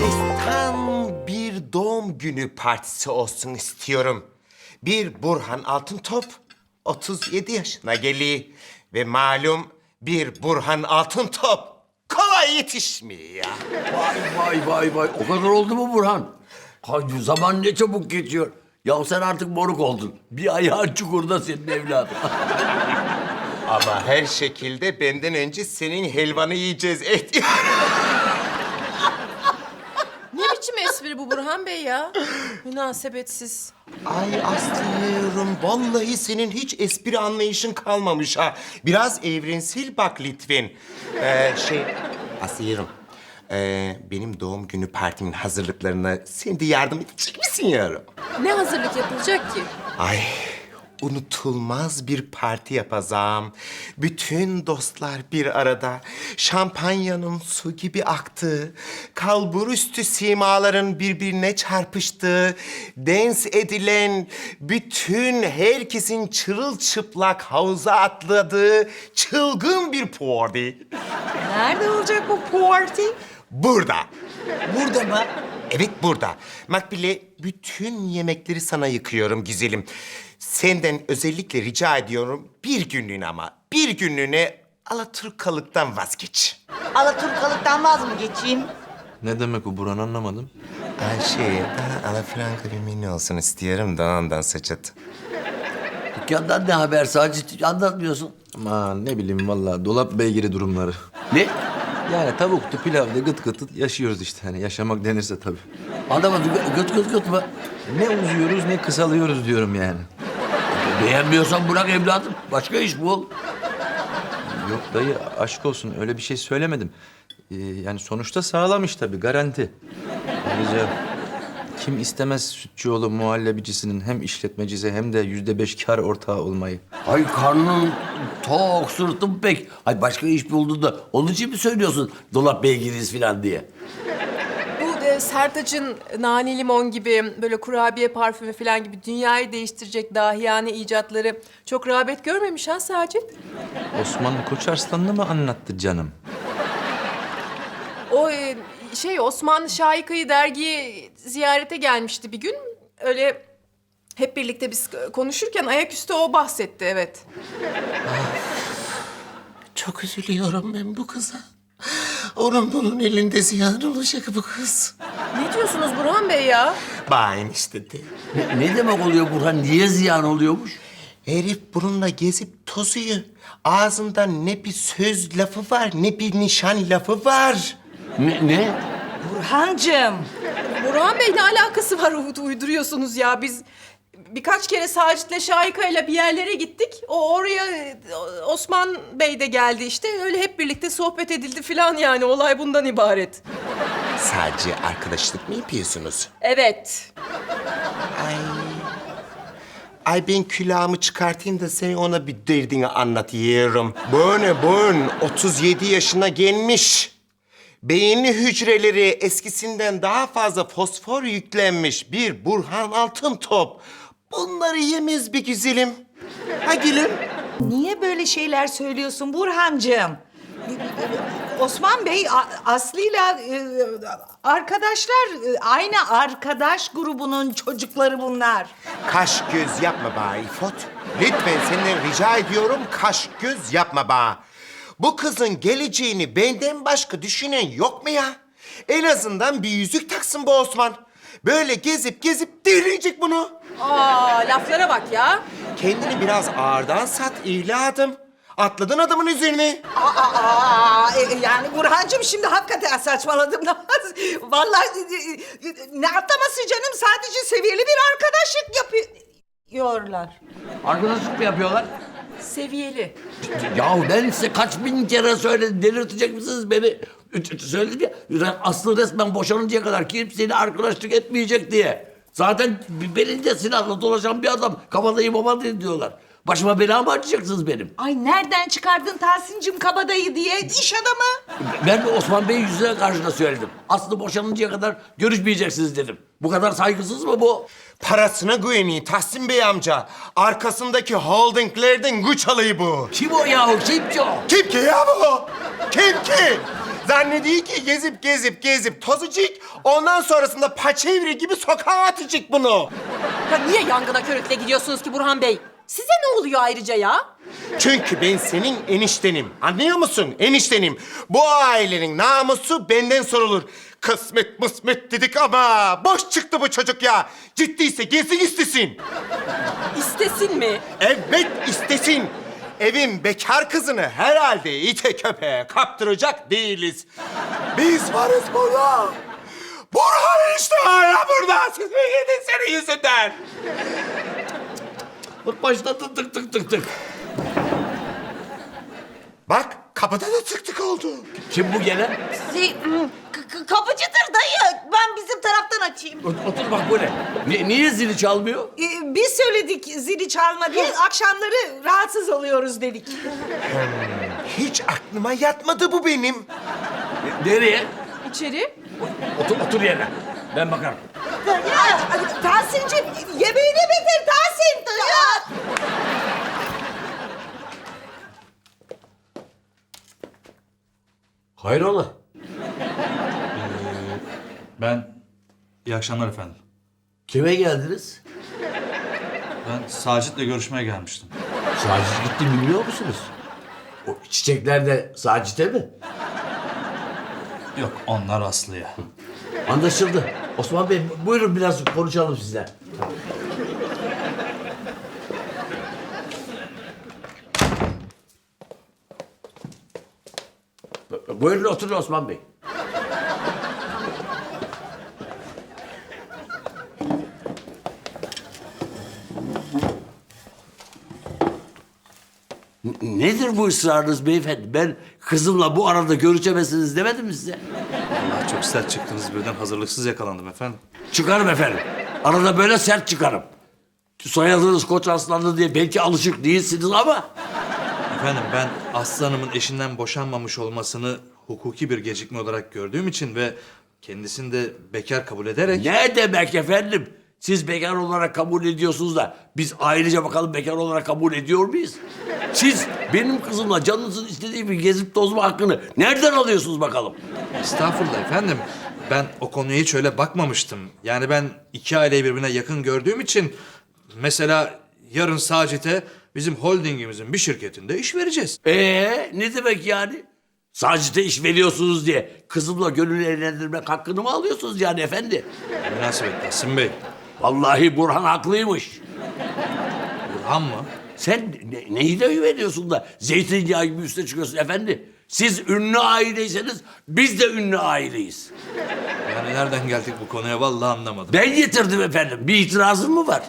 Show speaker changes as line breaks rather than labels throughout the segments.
Destan bir doğum günü partisi olsun istiyorum. Bir Burhan Altıntop 37 yaşına geliyor. Ve malum bir Burhan Altıntop kolay yetişmiyor ya.
Vay. O kadar oldu mu Burhan? Ay, zaman ne çabuk geçiyor. Ya sen artık moruk oldun. Bir ayağın çukurda senin evladın.
Ama her şekilde benden önce senin helvanı yiyeceğiz.
Ne biçim espri bu Burhan Bey ya? Münasebetsiz.
Ay Aslı'yım, vallahi senin hiç espri anlayışın kalmamış ha. Biraz evrensel bak lütfen. Aslı'yım, benim doğum günü partimin hazırlıklarına sen de yardım edecek misin yavrum?
Ne hazırlık yapılacak ki?
Ay, unutulmaz bir parti yapacağım. Bütün dostlar bir arada. Şampanyanın su gibi aktığı, kalburüstü simaların birbirine çarpıştığı, dans edilen, bütün herkesin çırılçıplak havuza atladığı çılgın bir party.
Nerede olacak bu party?
Burada.
Burada mı?
Evet burada. Makbule, bütün yemekleri sana yıkıyorum güzelim. Senden özellikle rica ediyorum bir günlüğüne ama bir günlüğüne Alaturkalıktan vazgeç.
Alaturkalıktan vaz mı geçeyim?
Ne demek o Burhan anlamadım.
Daha alafranka bir menü olsun istiyorum da ondan Saçat.
Dükkandan ne haber Sacit? Anlatmıyorsun.
Aman ne bileyim vallahi dolap beygiri durumları.
Ne?
Yani tavuktu, pilavdı, gıt gıt yaşıyoruz işte. Hani yaşamak denirse tabii.
Anlamadım. Gıt mı?
Ne uzuyoruz ne kısalıyoruz diyorum yani.
Beğenmiyorsan bırak evladım. Başka iş bul.
Yok dayı aşk olsun öyle bir şey söylemedim. Yani sonuçta sağlam iş tabii garanti. Ayrıca kim istemez Sütçüoğlu muhallebicisinin hem işletmecisi hem de %5 kar ortağı olmayı.
Ay karnın tok, sırtın pek. Ay başka iş buldun da onun için mi söylüyorsun dolap beygiriz falan diye?
Bu Sertaç'ın nane limon gibi böyle kurabiye parfümü falan gibi dünyayı değiştirecek dahiyane icatları çok rağbet görmemiş ha Sacit?
Osman Koçarslan'ı mı anlattı canım?
O Osman Şahika'yı dergiye ziyarete gelmişti bir gün. Öyle hep birlikte biz konuşurken ayaküstü o bahsetti, evet.
Çok üzülüyorum ben bu kıza. Onun bunun elinde ziyan olacak bu kız.
Ne diyorsunuz Burhan Bey ya?
Bayin işte de.
Ne demek oluyor Burhan? Niye ziyan oluyormuş?
Herif bununla gezip tozuyor. Ağzında ne bir söz lafı var ne bir nişan lafı var.
Ne?
Burhancığım.
Burhan Bey ne alakası var uyduruyorsunuz ya? Biz birkaç kere Sacit'le Şahika'yla bir yerlere gittik. Oraya Osman Bey de geldi işte. Öyle hep birlikte sohbet edildi falan yani. Olay bundan ibaret.
Sadece arkadaşlık mı yapıyorsunuz?
Evet.
Ay ben külahımı çıkartayım da sen ona bir derdini anlatıyorum. Bugün 37 yaşına gelmiş. Beyinli hücreleri eskisinden daha fazla fosfor yüklenmiş bir Burhan Altıntop. Bunları yemez bir güzelim. Ha gülüm?
Niye böyle şeyler söylüyorsun Burhancığım? Osman Bey Aslı'yla arkadaşlar, aynı arkadaş grubunun çocukları bunlar.
Kaş göz yapma bana İfot. Lütfen senden rica ediyorum kaş göz yapma bana. Bu kızın geleceğini benden başka düşünen yok mu ya? En azından bir yüzük taksın bu Osman. Böyle gezip delirecek bunu.
Laflara bak ya.
Kendini biraz ağırdan sat evladım. Atladın adamın üzerine.
Yani Burhancığım şimdi hakikaten saçmaladım. Vallahi ne atlaması canım, sadece seviyeli bir arkadaşlık yapıyorlar.
Arkadaşlık mı yapıyorlar?
Seviyeli.
Ya ben size kaç bin kere söyledim. Delirtecek misiniz beni? Söyledim ya. Aslı resmen boşanıncaya kadar kimseyle arkadaşlık etmeyecek diye. Zaten belinde silahla dolaşan bir adam. Kabadayı babadayı diyorlar. Başıma bela mı açacaksınız benim?
Ay nereden çıkardın Tahsin'cim kabadayı diye, iş adamı?
Ben de Osman Bey yüzüne karşı da söyledim. Aslı boşanıncaya kadar görüşmeyeceksiniz dedim. Bu kadar saygısız mı bu?
Parasına güveniyor Tahsin Bey amca. Arkasındaki holdinglerden güç alayı bu.
Kim o yahu? Kim ki o?
Kim ki ya bu? Kim ki? Zannediyor ki gezip tozacak. Ondan sonrasında paçevri gibi sokağa atacak bunu.
Ya niye yangına körükle gidiyorsunuz ki Burhan Bey? Size ne oluyor ayrıca ya?
Çünkü ben senin eniştenim. Anlıyor musun? Eniştenim. Bu ailenin namusu benden sorulur. Kısmet mısmet dedik ama boş çıktı bu çocuk ya. Ciddiyse gelsin istesin.
İstesin mi?
Evet istesin. Evin bekar kızını herhalde ite köpeğe kaptıracak değiliz. Biz varız burada. Burhan işte hala burada. Siz mi yedin senin yüzünden?
Bak başladı tık tık tık tık.
Bak kapıda da tık tık oldu.
Kim bu gelen?
Kapıcıdır dayı. Ben bizim taraftan açayım.
Otur bak bu ne? Niye zili çalmıyor?
Biz söyledik zili çalma diye. Akşamları rahatsız oluyoruz dedik.
Hiç aklıma yatmadı bu benim.
Nereye?
İçeri.
Otur yerine. Ben bakarım.
Ya Tahsin'cim yemeğini bitir Tahsin. Ya.
Hayrola?
İyi akşamlar efendim.
Kime geldiniz?
Ben Sacit'le görüşmeye gelmiştim.
Sacit gitti biliyor musunuz? O çiçekler de Sacit'e mi?
Yok, onlar Aslı'ya.
Anlaşıldı. Osman Bey buyurun biraz konuşalım sizle. Buyurun oturun Osman Bey. Nedir bu ısrarınız beyefendi? Ben kızımla bu arada görüşemezsiniz demedim mi size?
Allah çok sert çıktınız birden, hazırlıksız yakalandım efendim.
Çıkarım efendim. Arada böyle sert çıkarım. Soyadınız Koç Aslanlı diye belki alışık değilsiniz ama...
Efendim ben Aslı Hanım'ın eşinden boşanmamış olmasını hukuki bir gecikme olarak gördüğüm için ve kendisini de bekar kabul ederek...
Ne demek efendim? Siz bekar olarak kabul ediyorsunuz da biz ayrıca bakalım bekar olarak kabul ediyor muyuz? Siz benim kızımla canınızın istediği gibi gezip tozma hakkını nereden alıyorsunuz bakalım?
Estağfurullah efendim. Ben o konuya hiç öyle bakmamıştım. Yani ben iki aileyi birbirine yakın gördüğüm için... Mesela yarın Sacit'e bizim holdingimizin bir şirketinde iş vereceğiz.
Ne demek yani? Sacit'e iş veriyorsunuz diye kızımla gönül eğlendirmek hakkını mı alıyorsunuz yani efendi?
Münasebet Tahsin Bey.
Vallahi Burhan haklıymış.
Burhan mı?
Sen neyi de güveniyorsun da zeytinyağı gibi üste çıkıyorsun efendi? Siz ünlü aileyseniz biz de ünlü aileyiz.
Yani nereden geldik bu konuya vallahi anlamadım.
Ben getirdim efendim. Bir itirazın mı var?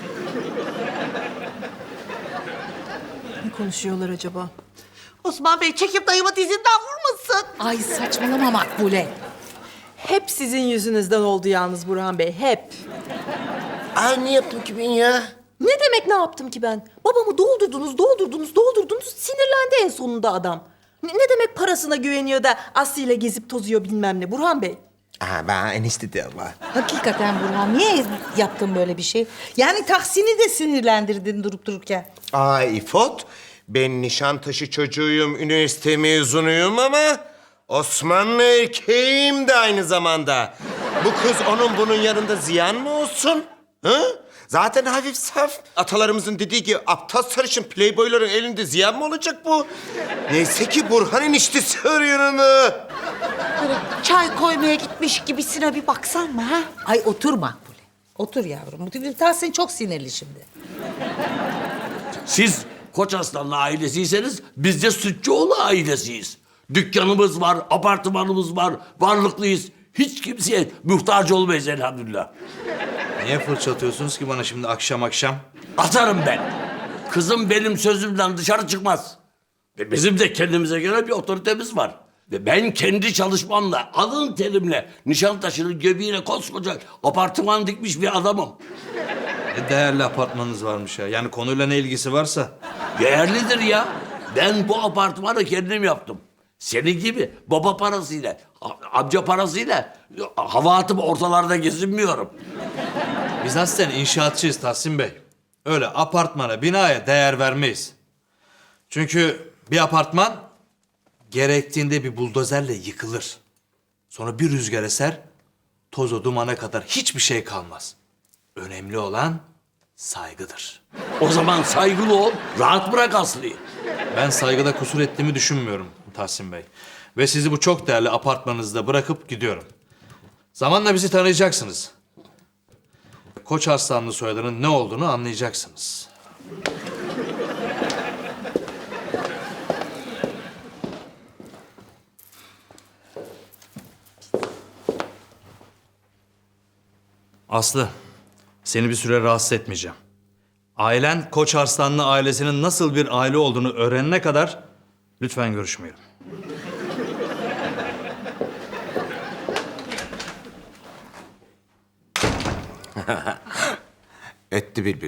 Ne konuşuyorlar acaba?
Osman Bey çekip dayımı dizinden vurmasın.
Ay saçmalama Makbule.
Hep sizin yüzünüzden oldu yalnız Burhan Bey, hep.
Ay ne yaptım ki ben ya?
Ne demek ne yaptım ki ben? Babamı doldurdunuz, sinirlendi en sonunda adam. Ne demek parasına güveniyor da Aslı ile gezip tozuyor bilmem ne Burhan Bey?
Aha ben enişte de Allah.
Hakikaten Burhan niye yaptın böyle bir şey? Yani Tahsin'i de sinirlendirdin durup dururken.
Ay İfot, ben Nişantaşı çocuğuyum, üniversite mezunuyum ama... Osmanlı erkeğim de aynı zamanda. Bu kız onun bunun yanında ziyan mı olsun? Hı? Zaten hafif saf. Atalarımızın dediği gibi aptal sarışın playboyların elinde ziyan mı olacak bu? Neyse ki Burhan eniştesi var yanında.
Böyle çay koymaya gitmiş gibisine bir baksan mı ha?
Ay otur Makbule. Otur yavrum. Tahsin çok sinirli şimdi.
Siz Koç Aslanlı ailesiyseniz biz de Sütçüoğlu ailesiyiz. Dükkanımız var, apartmanımız var, varlıklıyız. Hiç kimseye muhtaç olmayız elhamdülillah.
Niye fırça atıyorsunuz ki bana şimdi akşam akşam?
Atarım ben. Kızım benim sözümden dışarı çıkmaz. Ve bizim de kendimize göre bir otoritemiz var. Ve ben kendi çalışmamla, alın terimle Nişantaşı'nın göbeğine koskoca apartman dikmiş bir adamım.
Ne değerli apartmanınız varmış ya. Yani konuyla ne ilgisi varsa.
Değerlidir ya. Ben bu apartmanı kendim yaptım. Senin gibi baba parasıyla, amca parasıyla hava atıp ortalarda gezinmiyorum.
Biz aslen inşaatçıyız Tahsin Bey. Öyle apartmana, binaya değer vermeyiz. Çünkü bir apartman gerektiğinde bir buldozerle yıkılır. Sonra bir rüzgar eser, toza dumana kadar hiçbir şey kalmaz. Önemli olan saygıdır.
O zaman saygılı ol, rahat bırak Aslı'yı.
Ben saygıda kusur ettiğimi düşünmüyorum Tahsin Bey. Ve sizi bu çok değerli apartmanınızda bırakıp gidiyorum. Zamanla bizi tanıyacaksınız. Koç Arslanlı soyadının ne olduğunu anlayacaksınız. Aslı, seni bir süre rahatsız etmeyeceğim. Ailen Koç Arslanlı ailesinin nasıl bir aile olduğunu öğrenene kadar lütfen görüşmeyelim.
Etti bülbül.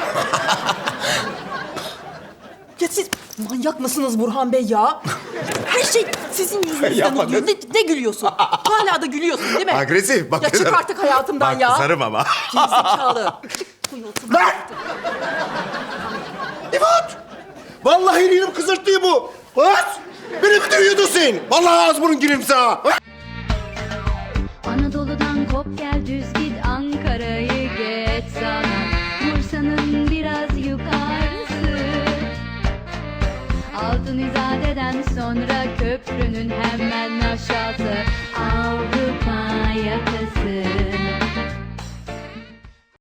Ya siz manyak mısınız Burhan Bey ya? Her şey sizin yüzünüzden oluyor. Ne gülüyorsun? Hala da gülüyorsun değil mi?
Agresif, bak
Ya çık
kızarım.
artık hayatımdan
Bak
ya.
kızarım ama.
Gerizekalı.
Lan! İfot! Vallahi elim kızarttı bu. At! Beni mi dövüyordun sen? Vallahi ağız burun girim sana.
Anadolu'dan kop gel düz git Ankara'yı geç sana Bursa'nın biraz yukarısı Altın İzade'den sonra köprünün hemen aşağısı Avrupa yakası